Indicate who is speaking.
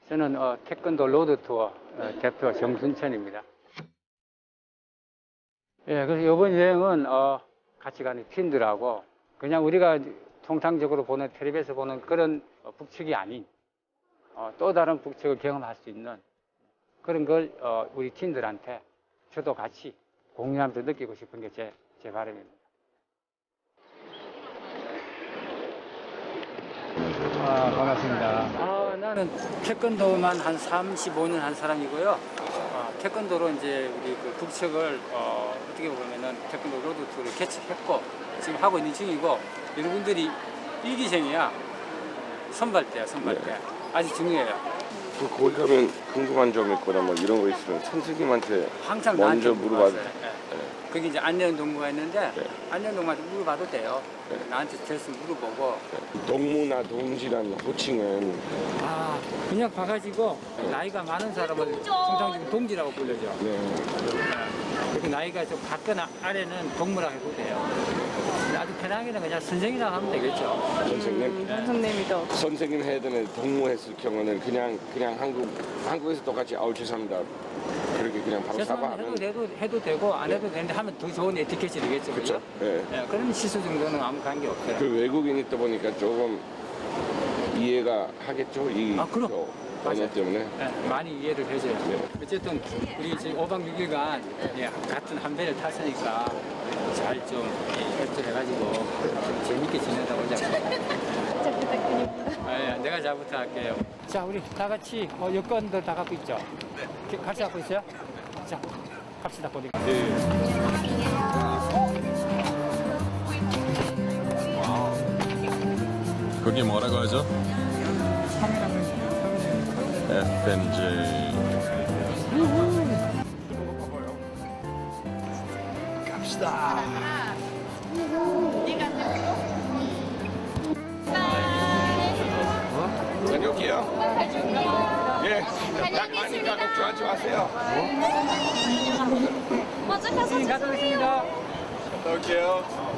Speaker 1: 저는 태권도 로드 투어 대표 정순천입니다. 예, 그래서 이번 여행은 같이 가는 팀들하고 그냥 우리가 통상적으로 보는 텔레비에서 보는 그런 북측이 아닌 또 다른 북측을 경험할 수 있는 그런 걸 우리 팀들한테 저도 같이 공유하면서 느끼고 싶은 게 제 바람입니다. 반갑습니다. 나는 태권도만 한 35년 한 사람이고요. 태권도로 이제 우리 그 북측을 어떻게 보면은 태권도 로드 투어를 개척했고 지금 하고 있는 중이고 여러분들이 일기생이야. 선발대야, 선발대.
Speaker 2: 네.
Speaker 1: 아주 중요해요.
Speaker 2: 거기 가면 궁금한 점 있거나 뭐 이런 거 있으면 선생님한테
Speaker 1: 항상
Speaker 2: 먼저
Speaker 1: 나한테
Speaker 2: 물어봐도
Speaker 1: 물어봤어요. 거기 이제 안내원 동무가 있는데
Speaker 2: 네.
Speaker 1: 안내원 동무한테 물어봐도 돼요.
Speaker 2: 네.
Speaker 1: 나한테 대신 물어보고.
Speaker 2: 동무나 동지란 호칭은
Speaker 1: 그냥 봐가지고 나이가 많은 사람을 통상적으로 동지라고 불러죠.
Speaker 2: 네.
Speaker 1: 그리고 나이가 좀 같거나 아래는 동무라고 해도 돼요. 아주 편하게는 그냥 선생이라고 하면 되겠죠.
Speaker 2: 선생님.
Speaker 3: 선생님이죠.
Speaker 2: 선생님 해야 되는 동무 했을 경우는 그냥 한국에서 똑같이 죄송합니다. 그렇게 그냥 바로
Speaker 1: 죄송하면
Speaker 2: 사과하면
Speaker 1: 해도 되고 안 해도 되는데 하면 더 좋은 에티켓이 되겠죠.
Speaker 2: 그렇죠.
Speaker 1: 그죠?
Speaker 2: 네.
Speaker 1: 예, 그런 시수 정도는 아무 관계 없어요.
Speaker 2: 그 외국인이 있다 보니까 조금 이해가 하겠죠. 이
Speaker 1: 그럼.
Speaker 2: 언어
Speaker 1: 맞아요.
Speaker 2: 때문에.
Speaker 1: 네, 많이 이해를 해줘요.
Speaker 2: 네.
Speaker 1: 어쨌든 우리 지금 5박 6일간 같은 한 배를 탔으니까 잘 좀 협조해가지고 좀 재밌게 지내다 오자.
Speaker 3: 잘 부탁드립니다.
Speaker 1: 내가 잘 부탁할게요. 자, 우리 다 같이 여권들 다 갖고 있죠? 네. 같이 갖고 있어요? 자, 갑시다, 보니.
Speaker 4: 거기 뭐라고 하죠? FNJ.
Speaker 2: 다녀올게요. 예. 딱 많으니까 걱정하지 마세요.
Speaker 3: 먼저 가서
Speaker 1: 갔다 오겠습니다.
Speaker 2: 갔다 올게요.